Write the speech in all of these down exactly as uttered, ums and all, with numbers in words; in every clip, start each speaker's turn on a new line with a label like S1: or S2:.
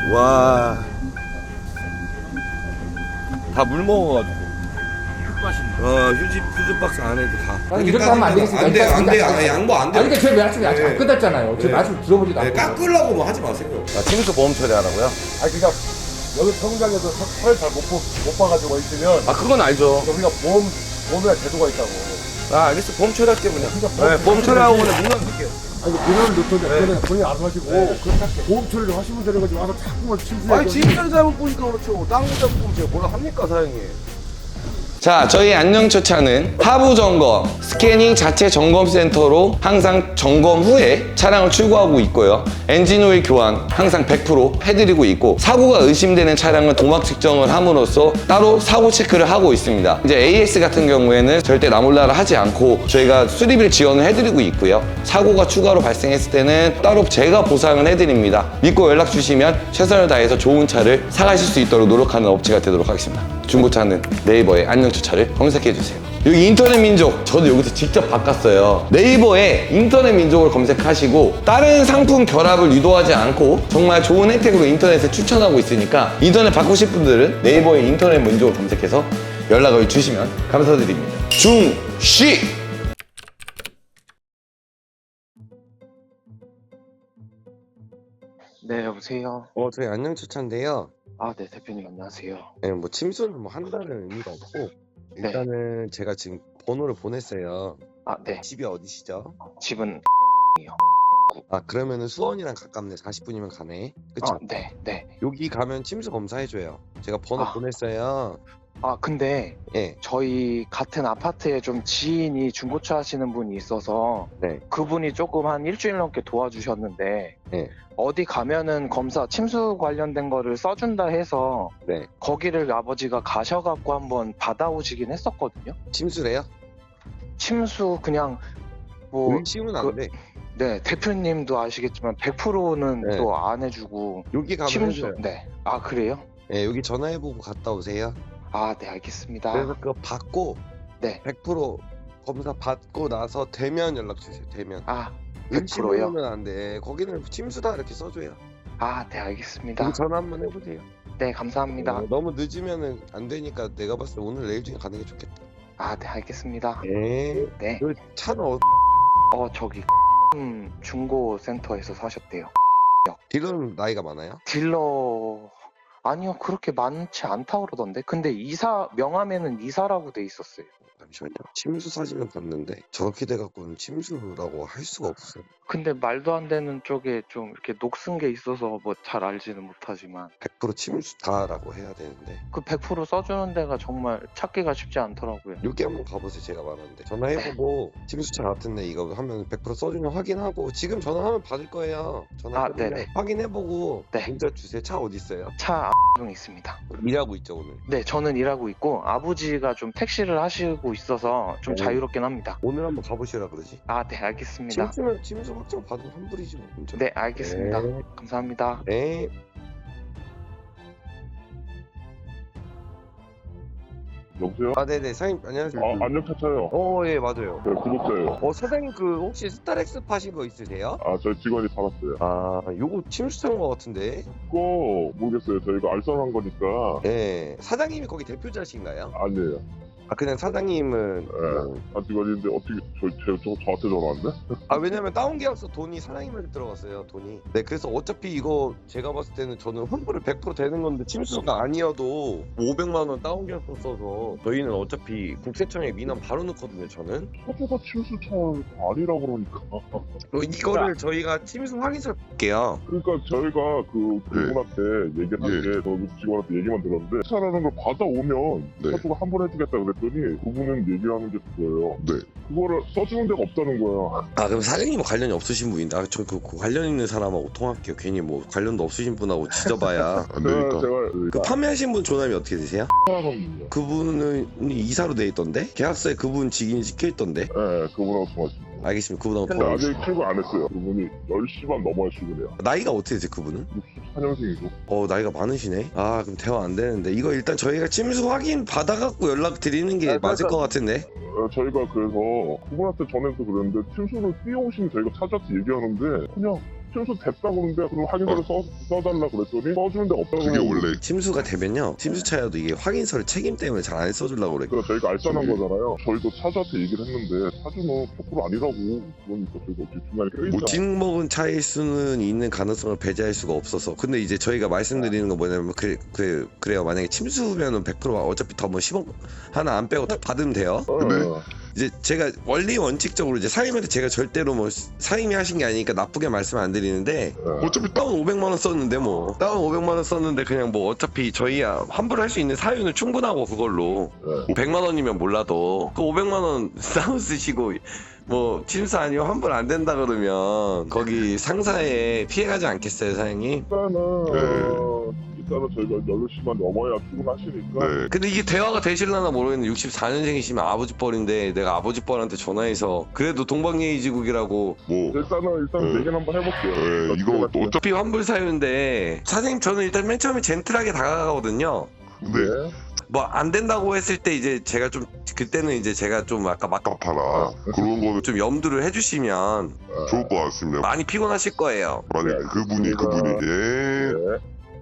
S1: 와. 다 물 먹어가지고. 어, 휴지, 휴지 박스 안에도 다.
S2: 아니, 이렇게 하면 안 되겠습니까?
S1: 안 돼, 안 돼.
S2: 그러니까
S1: 아, 양보 안 돼.
S2: 아니, 그러니까 제 말씀이 아직 안
S1: 네.
S2: 끝났잖아요. 제
S1: 네.
S2: 말씀 들어보지도
S1: 네,
S2: 않고.
S1: 깎으려고 뭐 하지 마세요. 아, 침수 보험 처리하라고요?
S3: 아니 그러니까 여기 평장에서 털 잘 못 못 봐가지고 있으면
S1: 아, 그건 알죠.
S3: 우리가 보험 보험에 제도가 있다고.
S1: 아, 알겠어. 보험 처리할게, 그냥.
S3: 그러니까
S1: 네, 보험 처리하고 그냥 문만 쓸게요.
S3: 아니 비료를 넣던데
S1: 네.
S3: 그거는 본인이 알아서 하시고
S1: 네.
S3: 보험 처리를 하시면 되는 거지 와서 자꾸만 침수해.
S1: 아니, 지금 잘못 보니까 그렇죠. 다른 거 잘못 보면 제가 뭐라 합니까, 사장님? 자, 저희 안녕처차는 하부 점검, 스캐닝 자체 점검 센터로 항상 점검 후에 차량을 출고하고 있고요. 엔진 오일 교환 항상 백 퍼센트 해드리고 있고, 사고가 의심되는 차량은 도막 측정을 함으로써 따로 사고 체크를 하고 있습니다. 이제 에이에스 같은 경우에는 절대 나몰라라 하지 않고 저희가 수리비를 지원을 해드리고 있고요. 사고가 추가로 발생했을 때는 따로 제가 보상을 해드립니다. 믿고 연락 주시면 최선을 다해서 좋은 차를 사가실 수 있도록 노력하는 업체가 되도록 하겠습니다. 중고차는 네이버에 안녕처차를 검색해주세요. 여기 인터넷 민족, 저도 여기서 직접 바꿨어요. 네이버에 인터넷 민족을 검색하시고 다른 상품 결합을 유도하지 않고 정말 좋은 혜택으로 인터넷에 추천하고 있으니까 인터넷 바꾸실 분들은 네이버에 인터넷 민족을 검색해서 연락을 주시면 감사드립니다. 중시!
S4: 네, 여보세요.
S5: 어, 저희 안녕처차인데요.
S4: 아, 네, 대표님 안녕하세요.
S5: 네, 뭐 침수는 뭐 한다는 의미가 없고
S4: 네.
S5: 일단은 제가 지금 번호를 보냈어요.
S4: 아, 네.
S5: 집이 어디시죠?
S4: 집은
S5: 아, 그러면은 수원이랑 가깝네. 사십 분이면 가네. 그쵸?
S4: 아, 네, 네.
S5: 여기 가면 침수 검사해줘요. 제가 번호
S4: 아.
S5: 보냈어요.
S4: 아, 근데
S5: 예.
S4: 저희 같은 아파트에 좀 지인이 중고차 하시는 분이 있어서
S5: 네.
S4: 그분이 조금 한 일주일 넘게 도와주셨는데
S5: 네.
S4: 어디 가면은 검사 침수 관련된 거를 써준다 해서
S5: 네.
S4: 거기를 아버지가 가셔갖고 한번 받아오시긴 했었거든요.
S5: 침수래요?
S4: 침수 그냥 뭐
S5: 의심은
S4: 그-
S5: 안 돼.
S4: 네, 대표님도 아시겠지만 백 퍼센트는
S5: 네.
S4: 또 안 해주고
S5: 여기 가면
S4: 침수.
S5: 해줘요.
S4: 네. 아, 그래요?
S5: 예, 여기 전화해보고 갔다 오세요.
S4: 아, 네, 알겠습니다.
S5: 그래서 그거 받고
S4: 네.
S5: 백 퍼센트 검사 받고 나서 되면 연락 주세요. 되면.
S4: 아, 백 퍼센트요?
S5: 의심은 안 돼. 거기는 침수다 이렇게 써줘요.
S4: 아, 네, 알겠습니다.
S5: 여기 전화 한번 해보세요.
S4: 네, 감사합니다.
S5: 어, 너무 늦으면은 안 되니까 내가 봤을 때 오늘 내일 중에 가는 게 좋겠다.
S4: 아, 네, 알겠습니다.
S5: 네.
S4: 네.
S5: 그 차는 어,
S4: 어, 저기 음, 중고 센터에서 사셨대요.
S5: 딜러는 나이가 많아요?
S4: 딜러 아니요, 그렇게 많지 않다 그러던데. 근데 이사 명함에는 이사라고 돼 있었어요.
S5: 잠시만요. 침수 사진을 봤는데 저렇게 돼갖고는 침수라고 할 수가 없어요.
S4: 근데 말도 안 되는 쪽에 좀 이렇게 녹슨 게 있어서 뭐 잘 알지는 못하지만
S5: 백 퍼센트 침수다라고 해야 되는데
S4: 그 백 퍼센트 써주는 데가 정말 찾기가 쉽지 않더라고요.
S5: 여기 한번 가보세요. 제가 말하는데 전화해보고 침수차 같은데 이거 하면 백 퍼센트 써주면 확인하고 지금 전화하면 받을 거예요.
S4: 아,
S5: 전화해보면
S4: 네네.
S5: 확인해보고
S4: 네.
S5: 문자 주세요. 차 어디 있어요?
S4: 차 X동 있습니다.
S5: 일하고 있죠 오늘.
S4: 네, 저는 일하고 있고 아버지가 좀 택시를 하시고 있어서 좀
S5: 네.
S4: 자유롭긴 합니다.
S5: 오늘 한번 가보시라 그러지.
S4: 아, 네, 알겠습니다.
S5: 침수면 침수 확정 받으면 환불이지 뭐. 문자.
S4: 네, 알겠습니다.
S5: 네.
S4: 감사합니다.
S5: 네.
S3: 여보세요?
S5: 아 네네 사장님 안녕하세요.
S3: 아 안녕차차요.
S5: 어 예 맞아요.
S3: 네 구독자예요.
S5: 어 사장님 그 혹시 스타렉스 파신 거 있으세요?
S3: 아 저희 직원이 받았어요.
S5: 아 요거 침수한 거 같은데.
S3: 그거 모르겠어요. 저희가 알선한 거니까
S5: 예 사장님이 거기 대표자신가요?
S3: 아니에요.
S5: 아 그냥 사장님은
S3: 네.
S5: 뭐-
S3: 아 직원인데 어떻게 저, 저, 저 저한테 전화 왔네?
S5: 아 왜냐면 다운 계약서 돈이 사장님한테 들어갔어요 돈이. 네 그래서 어차피 이거 제가 봤을 때는 저는 환불을 백 퍼센트 되는 건데 침수가 아니어도 오백만 원 다운 계약서 써서 저희는 어차피 국세청에 민원 바로 넣거든요 저는.
S3: 차주가 침수차 아니라 그러니까.
S5: 어, 이거를 저희가 침수 확인서 볼게요.
S3: 그러니까 저희가 그 그분한테 얘기를 한 게 저 직원한테 얘기만 들었는데 차라는 걸 받아오면 차주가 환불해주겠다 그랬더니 그분은 얘기하는 게 그거예요. 네. 그거를 써주는 데가 없다는 거야.
S5: 아 그럼 사장님은 관련이 없으신 분인데 아, 저그 그 관련 있는 사람하고 통화할게요. 괜히 뭐 관련도 없으신 분하고 지져봐야
S3: 안 되니까. 제가
S5: 그 판매하신 분 조남이 어떻게 되세요?
S3: 사람이요.
S5: 그분은 이사로 돼 있던데? 계약서에 그분 직인이 찍혀있던데?
S3: 네, 그분하고 통화했습니다.
S5: 알겠습니다. 그분하고
S3: 근데
S5: 통화.
S3: 아직 출근 안 했어요. 그분이 열 시 반 넘어야 출근해요.
S5: 나이가 어떻게 되세요 그분은?
S3: 육십사 년생이고.
S5: 어 나이가 많으시네. 아 그럼 대화 안 되는데 이거 일단 저희가 침수 확인 받아갖고 연락 드리는 게
S3: 아,
S5: 맞을
S3: 그러니까-
S5: 것 같은데?
S3: 어, 저희가 그래서 그분한테 전해서 그랬는데 침수를 뛰어오시면 저희가 찾아서 얘기하는데 그냥 침수 됐다 그러는데 그럼 확인서를 써, 써달라 그랬더니 써주는 데가 없다고.
S2: 그게 원래
S5: 침수가 되면요 침수차여도 이게 확인서를 책임 때문에 잘 안 써주려고 그래.
S3: 그러니까 저희가 알선한 거잖아요. 저희도 차주한테 얘기를 했는데 차주는 포크로 아니라고 그러니까 저희가 어떻게 중간에 껴있잖아.
S5: 뭐 찍먹은 차일 수는 있는 가능성을 배제할 수가 없어서. 근데 이제 저희가 말씀드리는 건 뭐냐면 그, 그, 그래요. 만약에 침수면은 백 퍼센트 어차피 더 뭐 십억 하나 안 빼고 다 받으면 돼요.
S3: 어,
S2: 네.
S3: 어.
S5: 이제 제가 원리 원칙적으로 이제 사장님한테 제가 절대로 뭐 사장님이 하신 게 아니니까 나쁘게 말씀 안 드리는데
S2: 어차피
S5: 다운 오백만 원 썼는데 뭐 다운 오백만 원 썼는데 그냥 뭐 어차피 저희야 환불할 수 있는 사유는 충분하고 그걸로
S3: 네.
S5: 백만 원이면 몰라도 그 오백만 원 다운 쓰시고 뭐 침수 아니면 환불 안 된다 그러면 거기 상사에 피해가지 않겠어요 사장님?
S3: 일단은
S2: 네.
S3: 어, 일단은 저희가 여덟 시만 넘어야 출근하시니까
S2: 네.
S5: 근데 이게 대화가 되실라나 모르겠는데 육십사 년생이시면 아버지 뻘인데 내가 아버지 뻘한테 전화해서 그래도 동방예의지국이라고
S2: 뭐
S3: 일단은 일단
S2: 네.
S3: 얘기는 한번 해볼게요.
S2: 네, 이거 또 어차피
S5: 어차피 환불 사유인데 사장님 저는 일단 맨 처음에 젠틀하게 다가가거든요.
S2: 근데
S3: 네.
S5: 뭐 안 된다고 했을 때 이제 제가 좀 그때는 이제 제가 좀 아까 막
S2: 아깝하라 그런 거는
S5: 좀 염두를 해주시면
S2: 좋을 것 같습니다.
S5: 많이 피곤하실 거예요.
S2: 만약
S3: 네,
S2: 그분이
S3: 알겠습니다.
S2: 그분이 예.
S3: 네.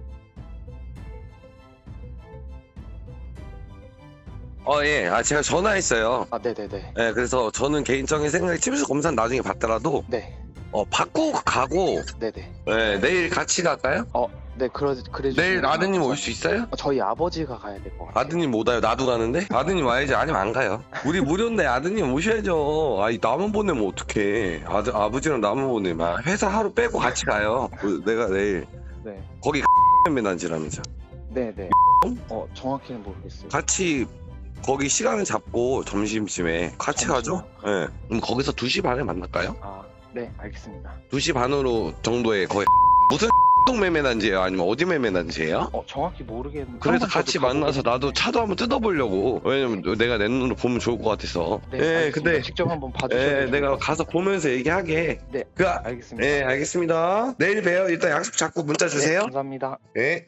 S5: 어, 예. 아, 제가 전화했어요.
S4: 아, 네네네.
S5: 예, 그래서 저는 개인적인 생각에 침수 검사는 나중에 받더라도,
S4: 네.
S5: 어, 받고 가고,
S4: 네네.
S5: 예, 내일 같이 갈까요?
S4: 어, 네, 그러, 그래 주시면
S5: 내일 아드님 올 수 있어요?
S4: 어, 저희 아버지가 가야 될 것 같아요.
S5: 아드님 못 와요. 나도 가는데? 아드님 와야지. 아니면 안 가요. 우리 무료인데 아드님 오셔야죠. 아이, 나만 보내면 어떡해. 아드, 아버지랑 나만 보내면. 회사 하루 빼고 같이 가요. 그, 내가 내일.
S4: 네.
S5: 거기 매난지라면서.
S4: 네네. 어, 정확히는 모르겠어요.
S5: 같이 거기 시간을 잡고 점심쯤에 같이 가죠? 예. 그럼 거기서 두 시 반에 만날까요?
S4: 아, 네, 알겠습니다.
S5: 두 시 반으로 정도에 거의 무슨 동 매매단지예요? 아니면 어디 매매단지예요?
S4: 어, 정확히 모르겠는데.
S5: 그래서
S4: 한번
S5: 같이
S4: 저도
S5: 만나서
S4: 가보고
S5: 나도 차도 한번 뜯어보려고. 왜냐면 내가 내 눈으로 보면 좋을 것 같아서.
S4: 네,
S5: 예,
S4: 알겠습니다.
S5: 근데
S4: 직접 한번 봐주셔야
S5: 예,
S4: 될것
S5: 내가
S4: 같아요.
S5: 가서 보면서 얘기하게.
S4: 네,
S5: 그,
S4: 알겠습니다.
S5: 예, 알겠습니다. 내일 봬요. 일단 약속 잡고 문자
S4: 네,
S5: 주세요.
S4: 감사합니다.
S5: 예.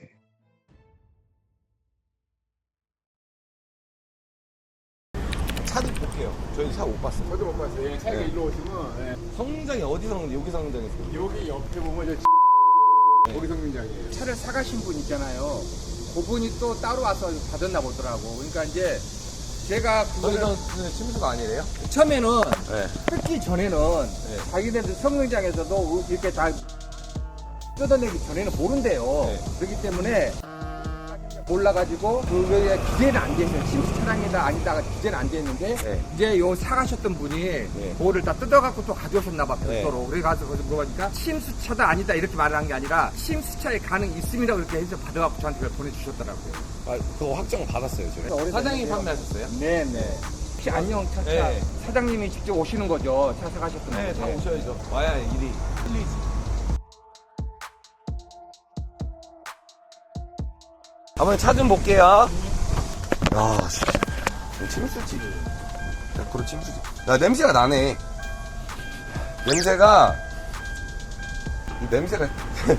S5: 차도 볼게요. 저희 차 못 봤어요.
S6: 저도 못 봤어요. 예, 차이가
S5: 네.
S6: 일로 오시면 예.
S5: 성장이 어디 성장? 여기 성장에서.
S6: 여기 옆에 보면 저 고리 성민장이에요. 차를 사가신 분 있잖아요. 그분이 또 따로 와서 받았나 보더라고. 그러니까 이제 제가 그거를
S5: 저기서는 침수가 아니래요?
S6: 처음에는
S5: 네.
S6: 뜯기 전에는 자기네들 성능장에서도 이렇게 다 뜯어내기 전에는 모른대요.
S5: 네.
S6: 그렇기 때문에 몰라가지고 그거에 기재는 안 돼 있어요. 침수 차량이다 아니다가 기재는 안 돼 있는데
S5: 네.
S6: 이제 요 사가셨던 분이 그거를 다 뜯어갖고 또 가져오셨나봐
S5: 네.
S6: 별도로. 그래 가서 거기서 물어보니까 침수차다 아니다 이렇게 말을 한 게 아니라 침수차에 가능 있음이라고 이렇게 해서 받아갖고 저한테 그걸 보내주셨더라고요.
S5: 아, 그거 확정 받았어요, 저희.
S6: 사장님이 판매하셨어요? 네네. 혹시 안녕 차차
S5: 네.
S6: 사장님이 직접 오시는 거죠? 차 사가셨던
S5: 네,
S6: 거죠?
S5: 다 오셔야죠. 와야 일이 풀리지. 한번 차 좀 볼게요. 야, 씨. 침수지. 백 퍼센트 침수지. 야, 냄새가 나네. 냄새가, 이 냄새가.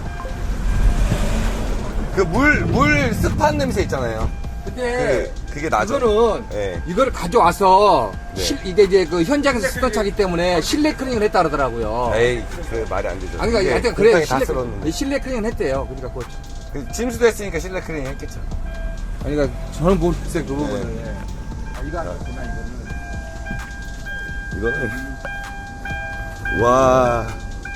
S5: 그 물, 물 습한 냄새 있잖아요.
S6: 근데
S5: 그, 그게 나죠.
S6: 이거는
S5: 네.
S6: 이거를 가져와서
S5: 네.
S6: 실- 이게 이제 그 현장에서 쓰던 차기 때문에 실내 클리닝을 했다 그러더라고요.
S5: 에이, 그 말이 안 되죠.
S6: 아니 그러니까
S5: 이게
S6: 하여튼 그래
S5: 굉장히 다
S6: 실내,
S5: 쓸었는데.
S6: 실내 클리닝 했대요. 그러니까 그거
S5: 그 침수도 했으니까 실내 클리닝 했겠죠.
S6: 아니 그러니까 저는 모르겠어요 그
S5: 네.
S6: 부분을. 아, 이거 아니구나 이거는.
S5: 이거는 와.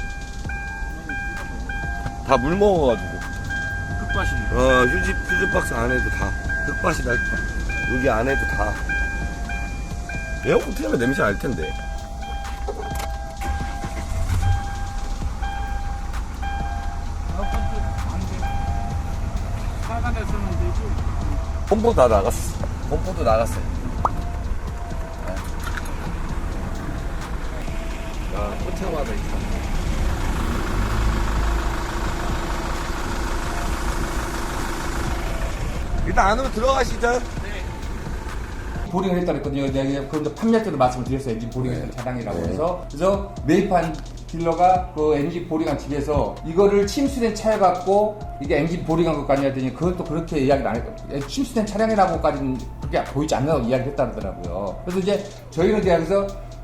S5: 다 물 먹어가지고.
S6: 흑밭이.
S5: 어 휴지 휴지 박스 안에도 다 흙밭이 날 여기 안에도 다. 에어컨 틀면 냄새 날 텐데. pompo 다 나갔어. pompo도 나갔어요. 야, 호텔마다 있다. 일단 안으로 들어가시죠.
S6: 보링을 했다 그랬거든요. 내가 그런데 판매할 때도 말씀을 드렸어요. 엔진 보링했던 차량이라고
S5: 네.
S6: 해서. 그래서 매입한 딜러가 그 엔진 보링한 집에서 이거를 침수된 차에 갖고 이게 엔진 보링한 것까지 했더니 그건 또 그렇게 이야기를 안 했거든요. 침수된 차량이라고까지는 그게 보이지 않는다고 이야기를 했다 그러더라고요. 그래서 이제 저희는 이제 여기서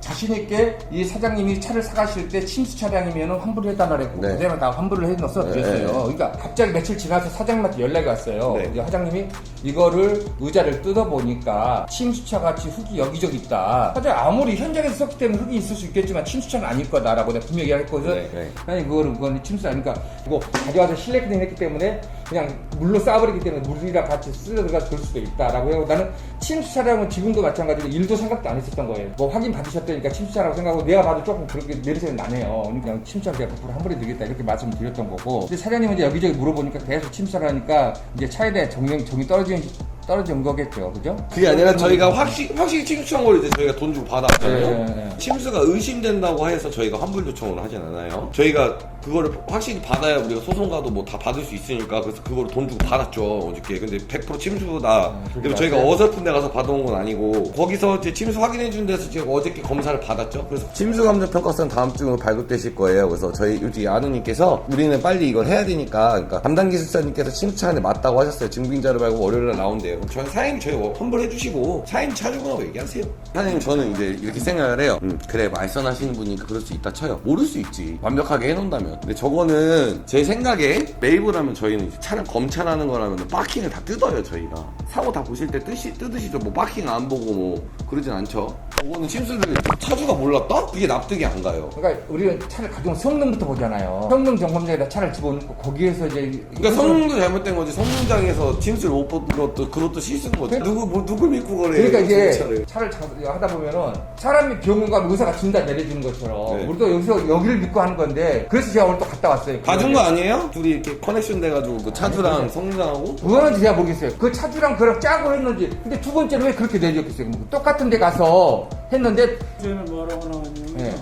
S6: 자신 있게 이 사장님이 차를 사가실 때 침수 차량이면 환불을 해달라 그랬고
S1: 네.
S6: 그대로 다 환불을 해놓어서
S1: 네.
S6: 드렸어요. 그러니까 갑자기 며칠 지나서 사장님한테 연락이 왔어요.
S1: 네.
S6: 이제 사장님이 이거를 의자를 뜯어보니까 침수차 같이 흙이 여기저기 있다. 사장 아무리 현장에서 썼기 때문에 흙이 있을 수 있겠지만 침수차는 아닐 거다라고 내가 분명히 얘기했거든.
S1: 네, 네.
S6: 아니 그거는 그건 침수 아니까 이거 가져와서 실내 클린 했기 때문에 그냥 물로 쌓아버리기 때문에 물이랑 같이 쓸려 들어가서 그럴 수도 있다라고 해요. 나는 침수 차량은 지금도 마찬가지로 일도 생각도 안 했었던 거예요. 뭐 확인 받으셨다니까 침수 차라고 생각하고 내가 봐도 조금 그렇게 내리세는 나네요. 그냥 침수 차량 내가 백 퍼센트 환불해 드리겠다 이렇게 말씀드렸던 거고. 근데 사장님은 이제 여기저기 물어보니까 계속 침수 차라니까 이제 차에 대해 정령 정이 떨어진 떨어진 거겠죠, 그죠?
S1: 그게 아니라 저희가 확실히 확실히 침수 청구를 이제 저희가 돈 주고 받았잖아요.
S6: 네, 네, 네.
S1: 침수가 의심된다고 해서 저희가 환불 요청을 하진 않아요. 저희가 그거를 확실히 받아야 우리가 소송 가도 뭐 다 받을 수 있으니까 그래서 그거를 돈 주고 받았죠 어저께. 근데 백 퍼센트 침수다. 그리고 저희가 어설픈 데 가서 받아온 건 아니고 거기서 이제 침수 확인해 준 데서 지금 어저께 검사를 받았죠. 그래서 침수 감정 평가서는 다음 주로 발급되실 거예요. 그래서 저희 우리 아누님께서 우리는 빨리 이걸 해야 되니까 그러니까 담당 기술사님께서 침수 차량에 맞다고 하셨어요. 증빙자를 말고 월요일에 나온대요. 그럼 저희 사장님 저희 환불해 주시고 사장님 차주분하고 얘기하세요. 사장님 저는 이제 이렇게 생각을 해요. 음, 그래 말씀하시는 분이니까 그럴 수 있다 쳐요. 모를 수 있지. 완벽하게 해놓는다면. 근데 저거는 제 생각에 매입을 하면 저희는 이제 차량 검찰하는 거라면 파킹을 다 뜯어요 저희가. 사고 다 보실 때 뜨시, 뜯으시죠. 뭐 파킹 안 보고 뭐 그러진 않죠. 저거는 침수를 차주가 몰랐다? 그게 납득이 안 가요.
S6: 그러니까 우리는 차를 가져온 성능부터 보잖아요. 성능 점검장에다 차를 집어넣고 거기에서 이제
S1: 그러니까 성능도 잘못된 거지. 성능장에서 침수를 못 본 것도 그것도 실수인 거지. 누구 뭐 누굴 믿고 그래?
S6: 그러니까 이제
S1: 차를.
S6: 차를 자- 하다 보면은 사람이 병원 가면 의사가 진단 내려주는 것처럼
S1: 네.
S6: 우리도 여기서 여기를 믿고 하는 건데 그래서 제가 오늘 또 갔다 왔어요.
S1: 봐준 거 아니에요? 둘이 이렇게 커넥션 돼가지고 그 차주랑 성능장하고
S6: 그거는 제가 모르겠어요. 그 차주랑 그랑 짜고 했는지. 근데 두 번째는 왜 그렇게 내렸겠어요? 뭐 똑같은 데 가서 했는데
S7: 저는 뭐라고 나왔냐면
S6: 네.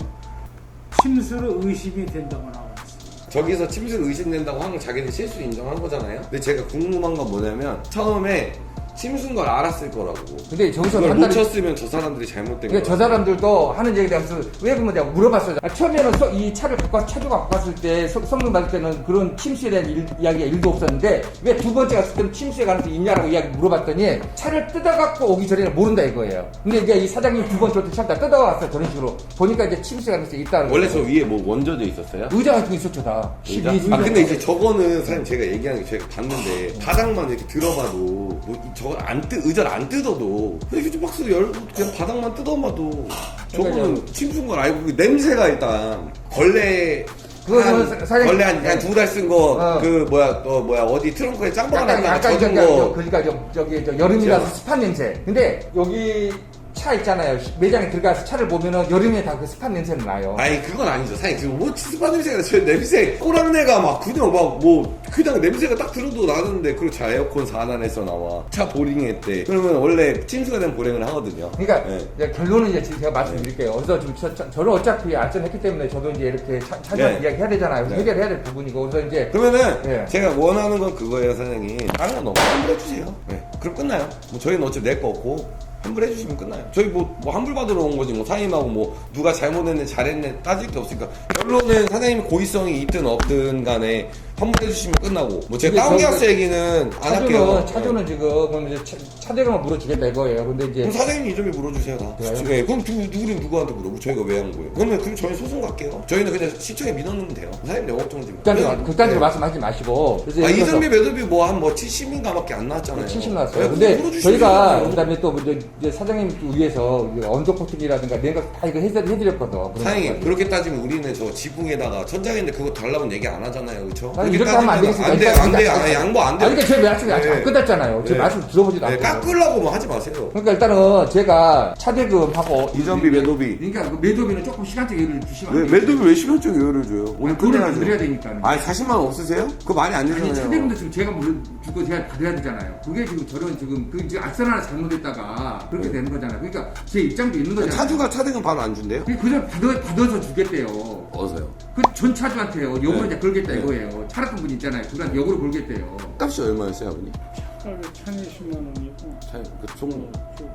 S7: 침수로 의심이 된다고 나왔어요.
S1: 저기서 침수를 의심된다고 하는 건 자기들 실수 인정한 거잖아요. 근데 제가 궁금한 건 뭐냐면 처음에 침수인 걸 알았을 거라고.
S6: 근데 저기서
S1: 그걸 못
S6: 판단이
S1: 쳤으면 저 사람들이 잘못된
S6: 그러니까
S1: 거야.
S6: 저 사람들도 하는 얘기에 대해서 왜 그러면 내가 물어봤어요. 아, 처음에는 서- 이 차를 갖고 와서 차주가 갖고 왔을 때 성- 성능 받을 때는 그런 침수에 대한 일, 이야기가 일도 없었는데 왜 두 번째 갔을 때는 침수에 가능성이 있냐라고 이야기 물어봤더니 차를 뜯어갖고 오기 전에는 모른다 이거예요. 근데 이제 이 사장님이 두 번째 올 때 차를 다 뜯어왔어요. 저런 식으로. 보니까 이제 침수에 가능성이 있다는
S1: 원래
S6: 거예요.
S1: 저 위에 뭐 원저져 있었어요?
S6: 의자 같은 게 있었죠 다.
S1: 의자?
S6: 십이
S1: 아 근데 이제 저거는 사장님 제가 얘기하는 게 제가 봤는데 바닥만 이렇게 들어봐도 뭐 이- 저거 안 뜨, 의자를 안 뜯어도 이렇게 좀 박스를 열고 그냥 바닥만 뜯어봐도 저거는 침수인 걸 알고 그 냄새가 일단 걸레
S6: 그거는
S1: 한,
S6: 사- 사장님-
S1: 걸레 한 두 달 쓴 거
S6: 어.
S1: 그 뭐야 또 뭐야 어디 트렁크에 짱
S6: 약간
S1: 박아놨다가
S6: 약간
S1: 젖은
S6: 저기
S1: 거
S6: 그러니까 저, 저기 저 여름이라서 습한 냄새. 근데 여기 차 있잖아요. 매장에 들어가서 차를 보면은 여름에 다 그 습한 냄새는 나요.
S1: 아니 그건 아니죠 사장님 지금 뭐 치스파 냄새가 저 냄새 꼬랑내가 막 그냥 막 뭐 그냥 냄새가 딱 들어도 나는데 그리고 자 에어컨 사 안에서 나와 차 보링했대 그러면 원래 침수가 된 보링을 하거든요.
S6: 그러니까
S1: 네.
S6: 이제 결론은 이제 제가 말씀드릴게요. 그래서 지금 저, 저, 저는 어차피 알선했기 때문에 저도 이제 이렇게 차, 차주한테
S1: 네.
S6: 이야기 해야 되잖아요.
S1: 네.
S6: 해결해야 될 부분이고 그래서 이제
S1: 그러면은
S6: 예.
S1: 제가 원하는 건 그거예요 사장님. 다른 건 너무 환불해주세요. 네. 그럼 끝나요. 뭐 저희는 어차피 내 거 없고 환불해주시면 끝나요. 저희 뭐, 뭐 환불 받으러 온 거지 뭐 사장님하고 뭐 누가 잘못했네 잘했네 따질 게 없으니까 결론은 사장님이 고의성이 있든 없든 간에 환불해주시면 끝나고 뭐 제가
S6: 근데
S1: 다운계약서
S6: 저기
S1: 얘기는 안 할게요.
S6: 차주는 차주는 지금 그럼 이제 차, 차대로만 물어주겠다 이거예요. 근데 이제
S1: 그럼 사장님이 이점에 물어주세요 다.
S6: 그래요?
S1: 네, 그럼 누구, 누구는 누구한테 물어보고 저희가 왜 한 거예요? 그러면 그럼 저희 소송 갈게요. 저희는 그냥 시청에 민원하면 돼요. 사장님 영업정지.
S6: 극단적으로 극단적으로 말씀하지 마시고. 그래서
S1: 아
S6: 예를 들어서
S1: 이전비 매도비 뭐 한 뭐 칠십인가밖에 안 나왔잖아요.
S6: 칠십 나왔어요.
S1: 네,
S6: 근데
S1: 물어주시면
S6: 저희가
S1: 돼요.
S6: 그다음에 또 이제 이제 사장님 위해서 언더코팅이라든가 내가 다 이거 해드, 해드렸거든.
S1: 사장님 그렇게 따지면 우리는 저 지붕에다가 천장인데 그거 달라면 얘기 안 하잖아요, 그렇죠?
S6: 아니, 이렇게 하면 안 되겠습니다.
S1: 안 돼,
S6: 일단-
S1: 안 돼,
S6: 일단-
S1: 아, 양보 안 돼.
S6: 아니, 그러니까 제 말씀이 아직 안
S1: 네.
S6: 끝났잖아요. 제
S1: 네.
S6: 말씀 들어보지도
S1: 네,
S6: 않고.
S1: 깎으려고 뭐 하지 마세요.
S6: 그러니까 일단은 제가 차대금하고
S1: 이전비 매도비.
S6: 그러니까 그 매도비는 조금 시간적 여유를 주시면 안
S1: 왜
S6: 돼요.
S1: 매도비 왜 시간적 여유를 줘요? 오늘
S6: 돈을
S1: 끝내야죠.
S6: 드려야 되니까.
S1: 아니 사십만 원 없으세요? 그거 많이 안
S6: 아니
S1: 되잖아요.
S6: 차대금도 지금 제가 물론 주고 제가 받아야 되잖아요. 그게 지금 저런 지금 그 지금 악선 하나 잘못했다가 그렇게 되는 거잖아요. 그러니까 제 입장도 있는 거잖아요.
S1: 차주가 차등은 바로 안 준대요?
S6: 그냥 받아, 받아서 주겠대요.
S1: 어서요.
S6: 그 전 차주한테요. 역으로
S1: 네.
S6: 이제 걸겠다
S1: 네.
S6: 이거예요. 차렸던 분 있잖아요. 그간 역으로 걸겠대요.
S1: 값이 얼마였어요, 아버님?
S7: 차를 천이십만 원이고
S1: 차, 그총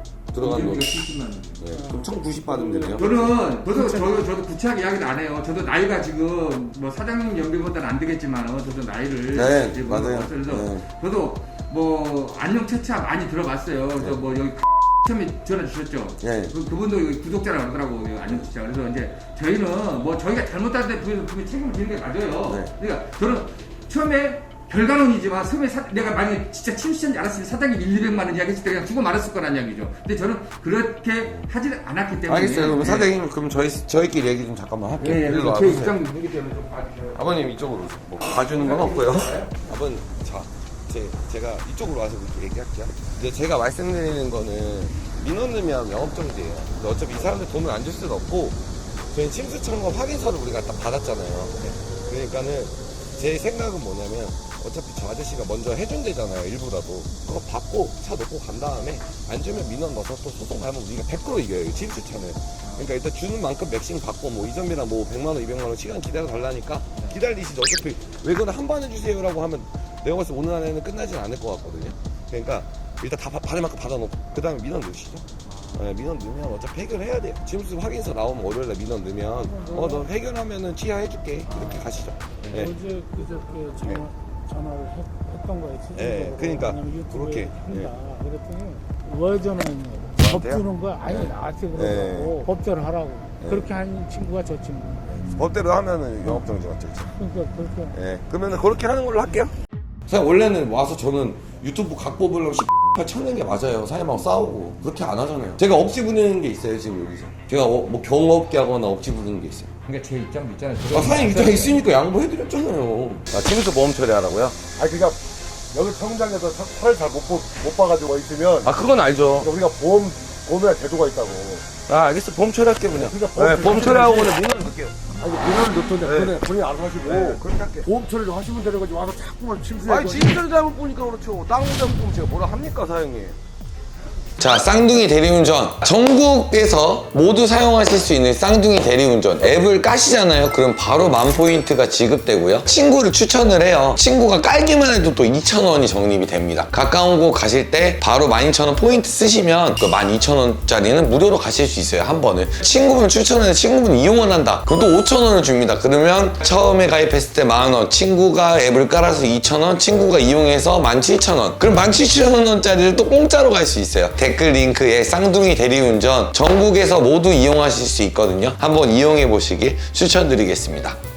S1: 들어간 거.
S6: 칠십만 원.
S1: 네. 그럼 천구십 받으면 되네요.
S6: 저는 저도 저도 저도 구체하게 이야기를 안 해요. 저도 나이가 지금 뭐 사장님 연배보다는 안 되겠지만 저도 나이를
S1: 네,
S6: 이제
S1: 맞아요.
S6: 그래서
S1: 네.
S6: 저도 뭐 안녕 차차 많이 들어봤어요. 그래서 뭐 여기 처음에 전화 주셨죠?
S1: 예.
S6: 그, 그분도 구독자라고 하더라고요. 안녕주차. 그래서 이제 저희는 뭐 저희가 잘못하는데 분명히 책임을 지는 게 맞아요.
S1: 네.
S6: 그러니까 저는 처음에 별간원이지만 처음에 사, 내가 만약에 진짜 침수인지 알았으면 사장님 일, 이백만 원 이야기했을 때 그냥 주고 말았을 거란 이야기죠. 근데 저는 그렇게 하지는 않았기 때문에.
S1: 알겠어요. 그럼
S6: 예.
S1: 사장님 그럼 저희 저희끼리 얘기 좀 잠깐만 할게요.
S6: 예, 예.
S1: 일로
S6: 제
S1: 와보세요.
S6: 입장도 있기 때문에 좀 봐주세요.
S1: 아버님 이쪽으로 오세요. 뭐 봐주는 건 없고요. 아버님 자, 제, 제가 이쪽으로 와서 얘기할게요. 이제 제가 말씀드리는 거는 민원 넣으면 영업정지예요. 근데 어차피 이 사람들 돈을 안 줄 수는 없고 저희 침수청과 확인서를 우리가 딱 받았잖아요. 그러니까는 제 생각은 뭐냐면 어차피 저 아저씨가 먼저 해준대잖아요. 일부라도 그거 받고 차 놓고 간 다음에 안 주면 민원 넣어서 또 소송 가면 우리가 백 퍼센트 이겨요. 이 침수차는. 그러니까 일단 주는 만큼 맥심 받고 뭐 이전비랑 뭐 백만 원, 이백만 원 시간 기다려 달라니까 기다리시죠. 어차피 왜 그거는 한 번에 주세요라고 하면 내가 봤을 때 오늘 안에는 끝나진 않을 것 같거든요. 그러니까 일단 다 받- 받을 만큼 받아놓고 그 다음에 민원 넣으시죠. 네, 민원 넣으면 어차피 해결해야 돼요. 침수 확인서 나오면 월요일에 민원 넣으면 어 너 해결하면은 취하해줄게 이렇게 가시죠. 네.
S7: 어제 그저께 전화,
S1: 네.
S7: 전화를 했, 했던 거예요.
S1: 네, 그러니까
S7: 유튜브에
S1: 그렇게,
S7: 한다. 그랬더니 왜 전화했냐고. 법
S1: 저한테요?
S7: 주는 거야? 아니
S1: 네.
S7: 나한테 그러고 법대로 하라고.
S1: 네.
S7: 그렇게 한 친구가 저 친구.
S1: 법대로 하면은 영업정지 맞죠?
S7: 그러니까 그렇게.
S1: 예, 그러면은 그렇게 하는 걸로 할게요. 사실 원래는 와서 저는 유튜브 각 뽑으려고 씨발 찾는 게 맞아요. 사장님하고 싸우고 그렇게 안 하잖아요. 제가 억지 부리는 게 있어요 지금 여기서. 제가 어, 뭐 경없게 하거나 억지 부리는 게 있어요.
S6: 그러니까 제 입장도 있잖아요.
S1: 아, 사장님 입장 있으니까 양보해드렸잖아요. 아, 침수 보험 처리하라고요?
S8: 아니 그러니까 여기 평장에서 차를 잘 못 못 봐가지고 있으면
S1: 아, 그건 알죠.
S8: 우리가 보험 보험에 제도가 있다고.
S1: 아, 알겠어. 보험 처리할게 그냥.
S8: 그러니까 보험
S1: 네, 보험 처리하고는 민원 넣을게요.
S8: 아니 민원을 넣던데
S1: 네.
S8: 그거는 본인이 알아서 하시고
S1: 네, 그렇게 할게요.
S8: 보험 처리를 하시면 되는 거지 와서 자꾸만 침수해.
S5: 아니 진짜 잘못 보니까 그렇죠. 땅 잘못 보면 제가 뭐라 합니까 사장님?
S1: 자, 쌍둥이 대리운전. 전국에서 모두 사용하실 수 있는 쌍둥이 대리운전 앱을 까시잖아요. 그럼 바로 만 포인트가 지급되고요. 친구를 추천을 해요. 친구가 깔기만 해도 또 이천 원이 적립이 됩니다. 가까운 곳 가실 때 바로 만 이천 원 포인트 쓰시면 그 만 이천 원짜리는 무료로 가실 수 있어요. 한 번을. 친구분 추천해서 친구분 이용을 한다. 그럼 또 오천 원을 줍니다. 그러면 처음에 가입했을 때 만 원, 친구가 앱을 깔아서 이천 원, 친구가 이용해서 만 칠천 원. 그럼 만 칠천 원짜리를 또 공짜로 갈 수 있어요. 댓글 링크에 쌍둥이 대리운전 전국에서 모두 이용하실 수 있거든요. 한번 이용해 보시길 추천드리겠습니다.